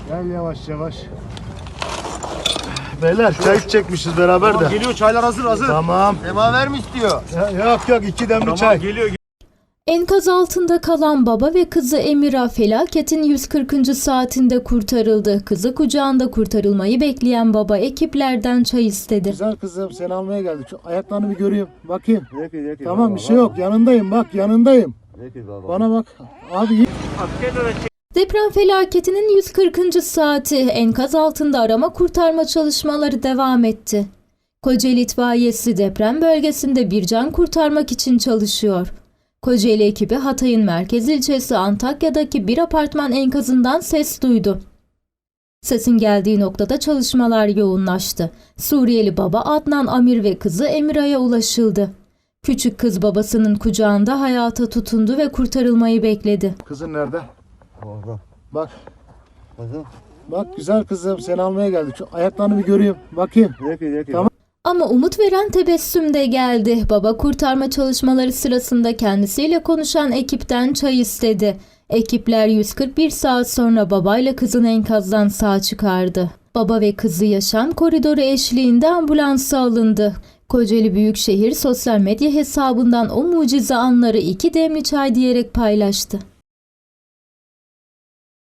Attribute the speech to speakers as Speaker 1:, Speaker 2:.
Speaker 1: Gel yavaş yavaş. Beyler çay içecekmişiz beraber
Speaker 2: Tamam,
Speaker 1: de.
Speaker 2: geliyor, çaylar hazır.
Speaker 1: Tamam.
Speaker 2: Semaver mi istiyor?
Speaker 1: Yok 2 demli
Speaker 2: Tamam,
Speaker 1: çay.
Speaker 2: geliyor.
Speaker 3: Enkaz altında kalan baba ve kızı Emira felaketin 140. saatinde kurtarıldı. Kızı kucağında kurtarılmayı bekleyen baba ekiplerden çay istedi.
Speaker 1: Güzel kızım seni almaya geldik. Şu ayaklarını bir göreyim. Bakayım.
Speaker 2: Peki,
Speaker 1: Tamam
Speaker 2: baba,
Speaker 1: bir şey yok. Yanındayım bak yanındayım.
Speaker 2: Peki baba.
Speaker 1: Bana bak. Abi iyi.
Speaker 3: Deprem felaketinin 140. saati enkaz altında arama kurtarma çalışmaları devam etti. Kocaeli İtfaiyesi deprem bölgesinde bir can kurtarmak için çalışıyor. Kocaeli ekibi Hatay'ın merkez ilçesi Antakya'daki bir apartman enkazından ses duydu. Sesin geldiği noktada çalışmalar yoğunlaştı. Suriyeli baba Adnan Amir ve kızı Emira'ya ulaşıldı. Küçük kız babasının kucağında hayata tutundu ve kurtarılmayı bekledi.
Speaker 1: Kızın nerede?
Speaker 2: Orada.
Speaker 1: Bak.
Speaker 2: Kızım.
Speaker 1: Bak güzel kızım seni almaya geldik. Şu ayaklarını bir göreyim. Bakayım.
Speaker 2: Peki.
Speaker 1: Tamam.
Speaker 3: Ama umut veren tebessüm de geldi. Baba kurtarma çalışmaları sırasında kendisiyle konuşan ekipten çay istedi. Ekipler 141 saat sonra babayla kızın enkazdan sağ çıkardı. Baba ve kızı yaşam koridoru eşliğinde ambulansa alındı. Kocaeli Büyükşehir sosyal medya hesabından o mucize anları 2 demli çay diyerek paylaştı.